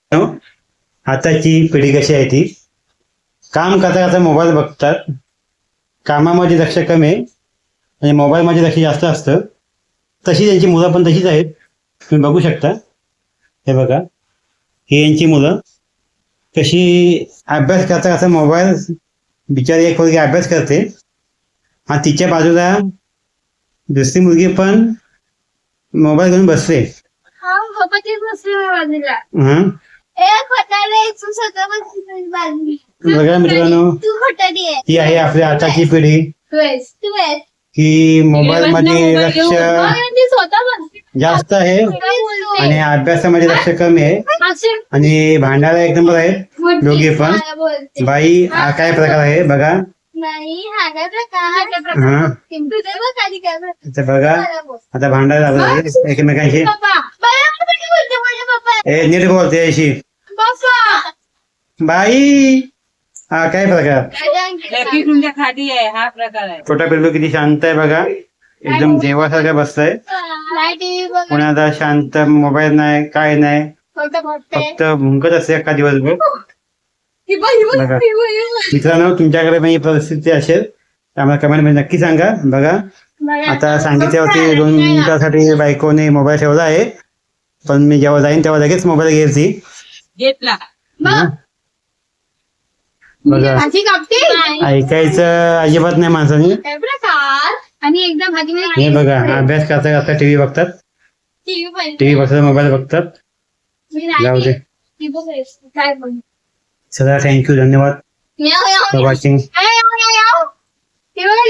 आताची पिढी कशी आहे ती काम करता करता मोबाईल बघतात. कामामध्ये लक्ष कमी आहे आणि मोबाईलमध्ये लक्ष जास्त असतं. तशी त्यांची मुलं पण तशीच आहेत. तुम्ही बघू शकता. हे बघा, ही यांची मुलं कशी अभ्यास करता करता मोबाईल, बिचारी एक मुलगी अभ्यास करते आणि तिच्या बाजूला दुसरी मुलगी पण मोबाईल घेऊन बसते. हं? बघा मित्रांनो, ही आहे आपली आताची पिढी की मोबाईल मध्ये लक्ष जास्त आहे आणि अभ्यासामध्ये लक्ष कमी आहे आणि भांडायला एक नंबर आहेत दोघे पण. बाई हा काय प्रकार आहे बघा. बघा आता भांडायला लागलं एकमेकांशी. नीट बोलते अशी बाई. हा काय प्रकार. हा प्रकार आहे. छोटा पिल्लू किती शांत आहे बघा, एकदम देवासारखं बसतंय. कोणाला शांत, मोबाईल नाही काय नाही, फक्त भुंकत असते अख्खा दिवसभर. बघा मित्रांनो, तुमच्याकडे पण ही परिस्थिती असेल तर आम्हाला कमेंट मध्ये नक्की सांगा. बघा आता सांगितल्यावरती 2 मिनिटासाठी बायकोने मोबाईल ठेवला आहे, पण मी जेव्हा जाईन तेव्हा लगेच मोबाईल घ्यायची घेतला. बघा ऐकायचं अजिबात नाही माणसाने. आणि एकदा भाजी हे बघा अभ्यास करता करता टीव्ही बघतात, टीव्ही बघतात, मोबाईल बघतात. जाऊ दे. चला, थँक्यू, धन्यवाद फॉर वॉचिंग.